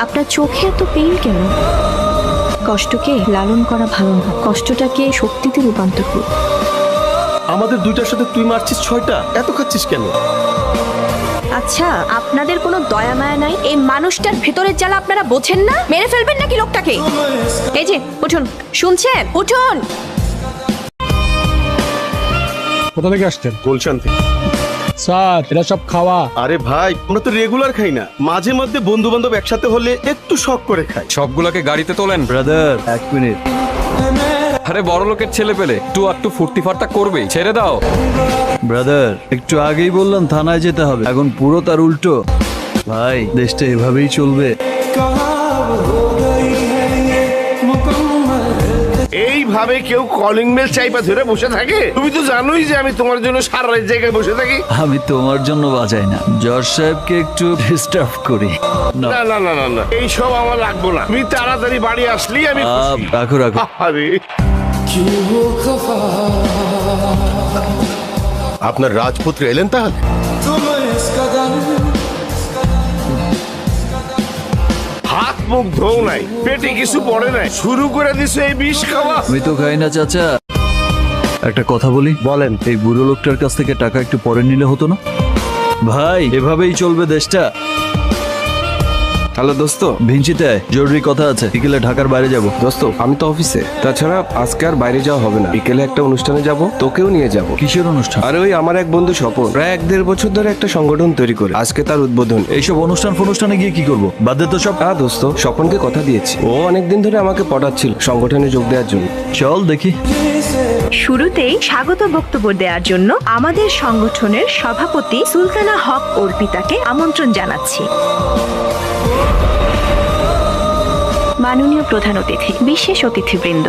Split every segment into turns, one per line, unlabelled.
আপনার চোখে এত পেইন কেন? কষ্টকে লালন করা ভালো না, কষ্টটাকে শক্তিতে রূপান্তর করুন।
আমাদের দুইটার সাথে তুই মারছিস 6টা, এত খাচ্ছিস কেন?
আচ্ছা, আপনাদের কোনো দয়া মায়া নাই? এই মানুষটার ভেতরের জ্বালা আপনারা বোঝেন না? মেরে ফেলবেন নাকি লোকটাকে? এই যে উঠুন, শুনছেন? উঠুন।
কোথা থেকে আসছেন?
গুলশান থেকে।
স্যার এরা সব খাওয়া।
আরে ভাই, আমরা তো রেগুলার খাই না, মাঝে মধ্যে বন্ধু বান্ধব একসাথে হলে একটু শখ করে খাই।
সবগুলোকে গাড়িতে তোলেন।
Brother 1 minute.
আরে বড় লোকের ছেলে পেলে একটু ফুর্তি ফার্তা করবেই, ছেড়ে দাও।
ব্রাদার একটু আগেই বললাম থানায় যেতে হবে, এখন পুরো তার উল্টো। ভাই দেশটা এভাবেই চলবে।
এইভাবে কেউ কলিং বেল চাইপা ধরে বসে থাকে? তুমি তো জানোই যে আমি তোমার জন্য সারা রাত জায়গায় বসে থাকি।
আমি তোমার জন্য বাজাই না, জজ সাহেবকে একটু ডিস্টার্ব করি। না,
না না না না না, এইসব আমার লাগবো না। তুমি তাড়াতাড়ি বাড়ি আসলেই আমি খুশি।
রাখো রাখো।
আরে
আপনার রাজপুত্র এলেন তাহলে?
হাত মুখ ধোও নাই, পেটে কিছু পড়ে নাই, শুরু করে দিছো এই বিষ খাওয়া।
আমি তো খাই না চাচা। একটা কথা বলি, বলেন। এই বুড়ো লোকটার কাছ থেকে টাকা একটু পরে নিলে হতো না? ভাই এভাবেই চলবে দেশটা।
হ্যালো দোস্ত।
ভিঞ্চিতে জরুরি কথা আছে, বিকেলে ঢাকার বাইরে যাব।
দোস্ত আমি তো অফিসে, তাছাড়া আজকে আর বাইরে যাওয়া হবে না। বিকেলে একটা অনুষ্ঠানে যাব, তোকেও নিয়ে যাব।
কিসের অনুষ্ঠান?
আর ওই আমার এক বন্ধু স্বপন প্রায় 1-1.5 বছর ধরে একটা সংগঠন তৈরি করে, আজকে তার উদ্বোধন।
এইসব অনুষ্ঠানে গিয়ে কি করব? বাদ দে তো সব।
হ্যাঁ দোস্ত, স্বপনকে কথা দিয়েছি, ও অনেকদিন ধরে আমাকে পটাচ্ছিল সংগঠনে যোগ দেওয়ার জন্য।
চল দেখি।
শুরুতেই স্বাগত বক্তব্য দেওয়ার জন্য আমাদের সংগঠনের সভাপতি সুলতানা হক অর্পিতাকে আমন্ত্রণ জানাচ্ছি। মাননীয় প্রধান অতিথি, বিশেষ অতিথিবৃন্দ,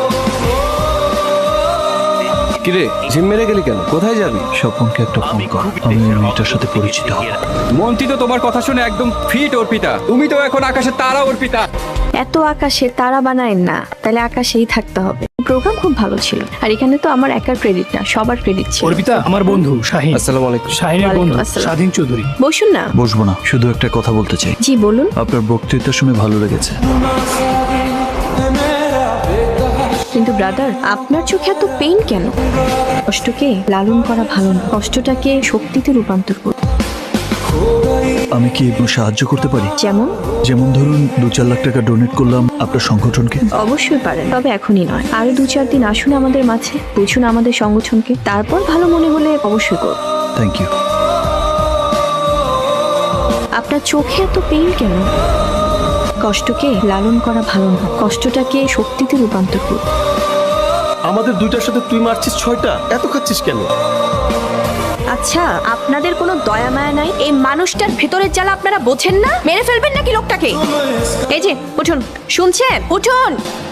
কিরে জিম মেরে গেলি কেন? কোথায় যাবি?
স্বপনকে একটা ফোন কর, আমি এই মেয়েটার সাথে পরিচিত হব।
মন্ত্রী তো তোমার কথা শুনে একদম ফিট অর্পিতা, তুমি তো এখন আকাশে তারা অর্পিতা।
এত আকাশে তারা বানায়েন না, তাহলে আকাশেই থাকতে হবে। প্রোগ্রাম খুব ভালো ছিল, আর এখানে তো আমার একার ক্রেডিট না, সবার ক্রেডিট ছিল।
অর্পিতা আমার বন্ধু শাহিন।
আসসালামু আলাইকুম।
শাহিনের বন্ধু
ওয়ালাইকুম আসসালাম।
স্বাধীন চৌধুরী।
বসুন না।
বসবো না, শুধু একটা কথা বলতে চাই।
জি বলুন।
আপনার বক্তৃতা শুনে ভালো লেগেছে।
কিন্তু ব্রাদার, আপনার চোখে এত পেইন কেন? কষ্টকে লালন করা ভালো না, কষ্টটাকে শক্তিতে রূপান্তর করুন।
আমি কি একটু সাহায্য করতে পারি?
যেমন?
যেমন ধরুন 2-4 লাখ টাকা ডোনেট করলাম আপনার সংগঠনকে।
অবশ্যই পারেন, তবে এখনই নয়। আরো 2-4 দিন আসুন আমাদের মাঝে, বুঝুন আমাদের সংগঠনকে, তারপর ভালো মনে হলে অবশ্যই করুন।
Thank you.
আপনার চোখে এত পেইন কেন? কষ্টকে লালন করা ভালো না, কষ্টটাকে শক্তিতে রূপান্তর করুন।
আমাদের দুইটার সাথে তুই মারছিস 6টা, এত খাচ্ছিস কেন?
আচ্ছা, আপনাদের কোনো দয়া মায়া নাই? এই মানুষটার ভেতরের জ্বালা আপনারা বোঝেন না? মেরে ফেলবেন নাকি লোকটাকে? এই যে উঠুন, শুনছেন? উঠুন।